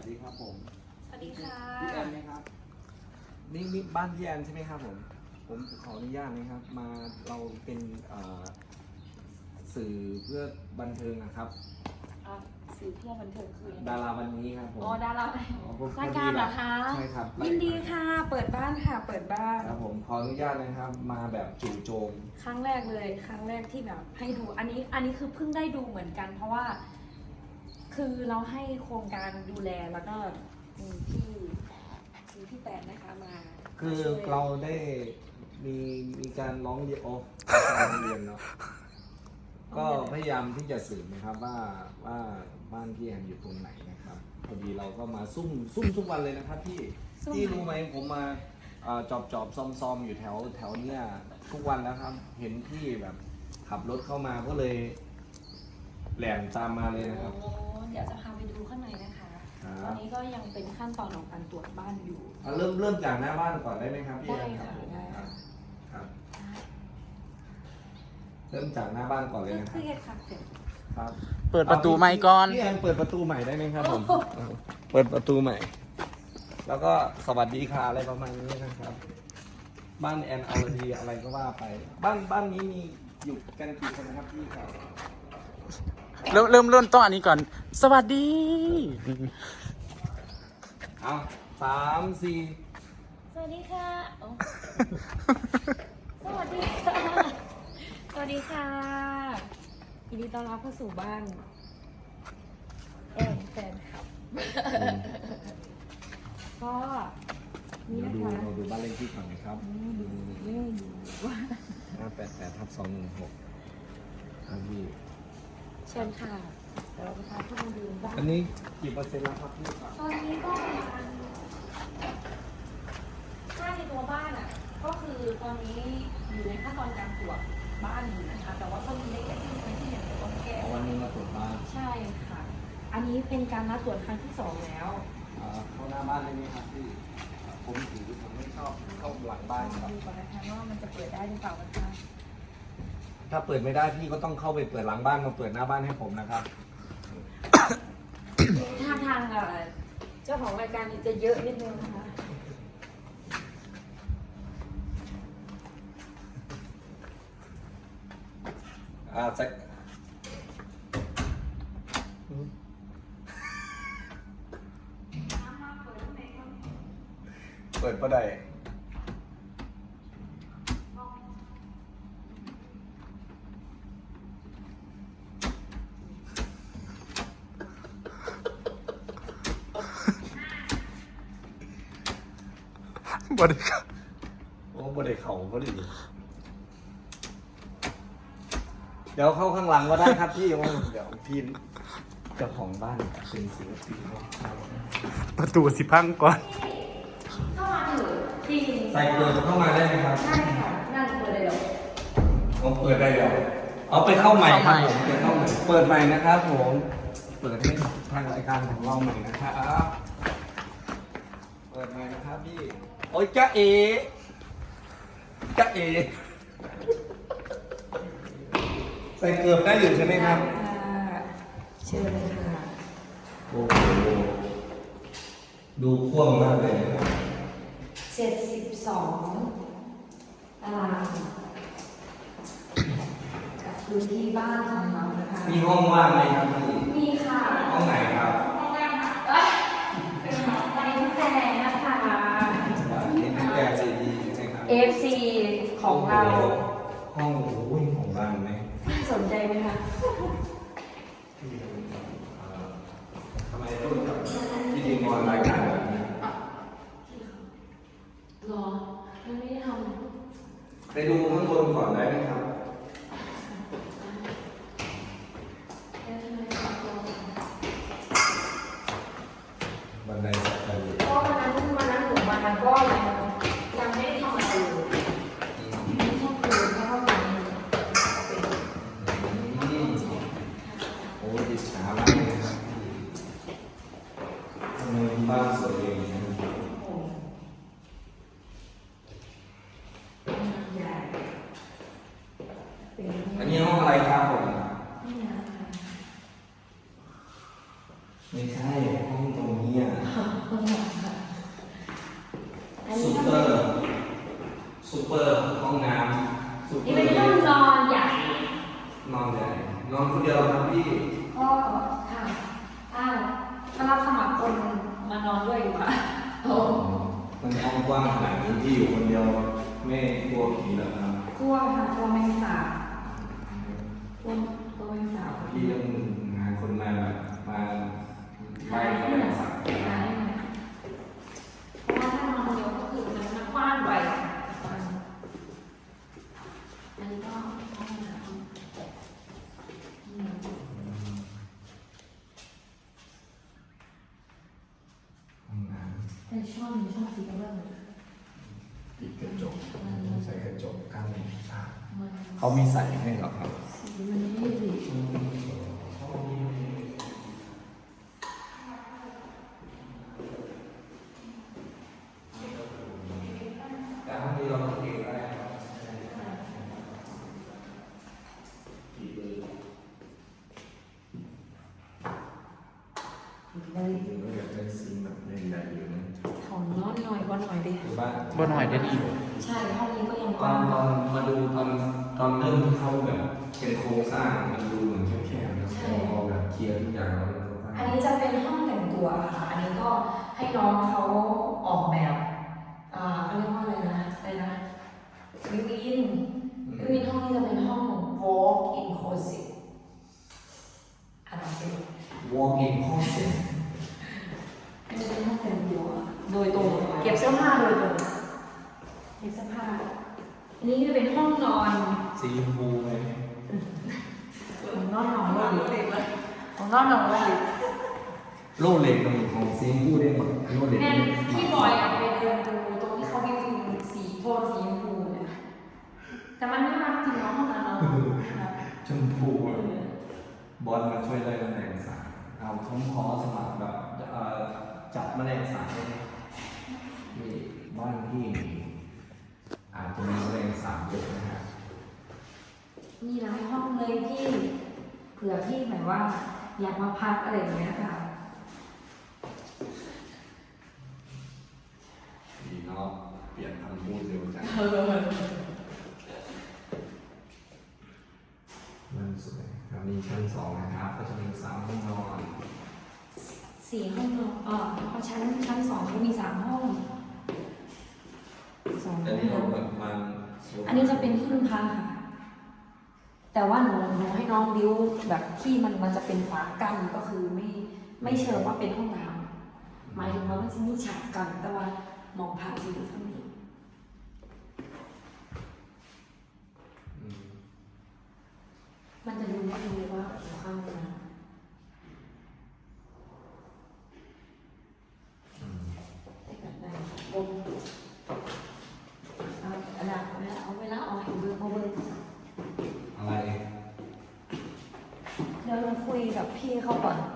ดีครับผมสวัสดีค่ะพี่แอนไหมครับนี่บ้านพี่แอนใช่ไหมครับผมขออนุญาตนะครับมาเราเป็นสื่อเพื่อบันเทิงนะครับสื่อเพื่อบันเทิงคือยังไงดาราวันนี้ครับผมอ๋อดาราผมรายการเหรอคะใช่ครับยินดีค่ะ เปิดบ้านค่ะ เปิดบ้านครับผมขออนุญาตนะครับมาแบบจู่โจมครั้งแรกเลยครั้งแรกที่แบบให้ดูอันนี้คือเพิ่งได้ดูเหมือนกัน เพราะว่า คือเราให้โครงการดูแลแล้วก็มีพี่แตนนะคะมาคือช่วยเราได้มีการร้องเรียนการเรียนเนาะก็พยายามที่จะสืบนะครับว่าบ้านพี่แอนอยู่ตรงไหนนะครับพอดีเราก็มาซุ่มทุกวันเลยนะครับพี่รู้ไหมผมมาจอบซ่อมอยู่แถวเนี้ยทุกวันแล้วครับ เห็นพี่แบบขับรถเข้ามาก็เลยแหลมตามมาเลยนะครับโอ้เดี๋ยวจะพาไปดูข้างในนะคะครับตอนนี้ก็ยังเป็นขั้นตอนของการตรวจบ้านอยู่เริ่มจากหน้าบ้านก่อนได้ไหมครับพี่แอนได้ครับค่ะได้ค่ะครับเริ่มจากหน้าบ้านก่อนเลยนะคคืรับอเฮ็ดค่ะเสร็จครับเปิดประตูใหม่ก่อนพี่แอนเปิดประตูใหม่ได้ไหมครับผมเปิดประตูใหม่ แล้วก็สวัสดีค่ะอะไรประมาณนี้นะครับ บ้านแอนอรดีอะไรก็ว่าไป บ้านนี้มีอยู่กันกี่คนนะครับพี่ครับเริ่มต้นอันนี้ก่อน สวัสดีเอา3 4 สวัสดีค่ะโอ้สวัสดีค่ะ สวัสดีค่ะยินดีต้อนรับเข้าสู่บ้านแอนแฟนคลับ ก็นี่เดี๋ยวนะคะเราดูบ้านเลขที่ก่อนนะครับไม่อยู่ว่า 588/216ครับพี่เชิญค่ะเดี๋ยวเราจะพาทุกคนดูบ้านอันนี้กี่เปอร์เซ็นต์แล้วครับพี่ครับตอนนี้ก็ประมาณถ้าในตัวบ้านอ่ะ ก็คือตอนนี้อยู่ในขั้นตอนการตรวจบ้านอยู่นะคะ แต่ว่าก็มีเล็กๆที่เห็นเป็นต้นแก้ววันนี้มาตรวจบ้านใช่ค่ะ อันนี้เป็นการนัดตรวจครั้งที่ 2 แล้วเข้าหน้าบ้านได้ไหมครับพี่ผมไม่ชอบเข้าหลังบ้านครับดูก่อนนะคะว่ามันจะเปิดได้หรือเปล่านะคะถ้าเปิดไม่ได้พี่ก็ต้องเข้าไปเปิดหลังบ้านมาเปิดหน้าบ้านให้ผมนะครับท่าทางเจ้าของรายการนี่จะเยอะนิดนึงนะคะจะเปิดประไดบริการโอ้บไดเข่าก็ดีเดี๋ยวเข้าข้างหลังก็ได้ครับพี่เดี๋ยวพี่เจ้าของบ้านเป็นศิลปินประตูสิพังก่อนเข้ามาเถอะจริงใส่เกลือเข้ามาได้ไหมครับใช่ค่ะนั่นเปิดเลยเหรอผมเปิดได้แล้วเอาไปเข้าใหม่ครับผมเปิดเข้าใหม่เปิดใหม่นะครับผมเปิดให้ทางรายการของเราใหม่นะครับเปิดใหม่นะครับพี่โอ้ยจ๊ะเใส่เกลือได้อยู่ใช่ไหมครับเชิญเลยค่ะโอ้โหดูพ่วงมากเลยนะครับ 72 ตารางกับพื้นที่บ้านของเรานะคะมีห้องว่างไหมครับพี่มีค่ะห้องไหนครับเป็นวันนี้ทุกแจงนะคะนี่เป็นแกซีดีใช่ไหมครับ FC ของเราห้องโอ้ยของบ้านไหมสนใจไหมคะทำไมต้องกับพิธีกรรายการแบบนี้รอยังไม่ได้ทไปดูข้างบนก่อนได้ไหมครับำเดี๋ยวทำไมต้องรอบันไดสักไปเลยเพราะวันนั้นหนูมาก็ยังไม่ได้ทำอะไรเลยไม่ชอบคืนเพราะว่ามันเป็นโอ้ยอิจฉามากเลยครับทำไมบ้านสวยอย่างนี้ใหญ่เป็นอันนี้ห้องอะไรครับผมนี่นะคะไม่ใช่ห้องตรงนี้อ่ะอยู่ค่ะโอ้มันห้องกว้างขนาดนี้ที่อยู่คนเดียวไม่กลัวผีเหรอครับกลัวค่ะกลัวแมงสาบกลัวแมงสาบพี่ต้องหาคนมาแบบมาไล่เขาไปสักเพราะว่าถ้านอนคนเดียวก็คือมันกว้างไปอันนี้ก็ห้องน้ำเป็นช่องสีกระเบื้องปิดกระจกใส่กระจกกั้นฉากมันเขามีใส่ให้เหรอครับสีมันไม่ดีแต่ห้องนี้เราเองได้ครับกี่เบอร์เลยจริงๆก็อยากได้ซิงค์แบบใหญ่ๆอยู่นะถอนน้อยหน่อยว่าหน่อยดิหรือว่าบ่หน่อยได้ดีใช่ห้องนี้ก็ยังกตอว้าน งตอนมาดูตอนเริ่มที่เขาแบบเป็นโครงสร้างมันดูเหมือนแคบๆนะพอแบบเคลียร์ทุกอย่างแล้วมันก็อันนี้จะเป็นห้องแต่งตัวค่ะ อันนี้ก็ให้น้องเขาออกแบบเขาเรียกว่าอะไรนะวิวินห้องนี้จะเป็นห้อง walk in closet อะไรสิ walk in closet อันนี้เป็นห้องแต่งตัวโดยตรงเก็บเสื้อผ้าโดยตรงเก็บเสื้อผ้า อันนี้จะเป็นห้องนอนสีชมพูไหมของนอนว่าของนอนว่าโล่เหล็กตรงของสีชมพูได้หมดโล่เหล็กแน่พี่บอยไปเดินดูตรงที่เขาวิวสีโทนสีชมพูเนี่ยแต่มันไม่รักจริงเนาะห้องนั้นเนาะชมพูอะบอลมาช่วยไล่แมลงสาบเอาผมขอสมัครแบบจับแมลงสาบได้ไหมนี่บ้านพี่อาจจะมีแมลงสาบเยอะนะฮะมีหลายห้องเลยพี่เผื่อพี่หมายว่าอยากมาพักอะไรอย่างเงี้ยค่ะดีเนาะเปลี่ยนคำพูดเร็วจังมันสวยครับมีชั้น2นะครับก็จะมี3ห้องนอน 4 ห้องนอนพอชั้น 2ก็มี 3 ห้อง2 แต่ห้องนี่เราแบบมันอันนี้จะเป็นที่พึ่งพาค่ะ แต่ว่าหนูให้น้องบิ้วแบบที่มันจะเป็นฝากั้นก็คือไม่เชิงว่าเป็นห้องน้ำหมายถึงว่ามันจะมีฉากกันแต่ว่ามองผ่านอยู่ข้างนี้อืมมันจะดูว่าอยู่ข้างน้ำแต่กันได้บนเอาเวลาเอาให้เบอร์เขาเลยอะไรเดี๋ยวเราคุยกับพี่เขาก่อน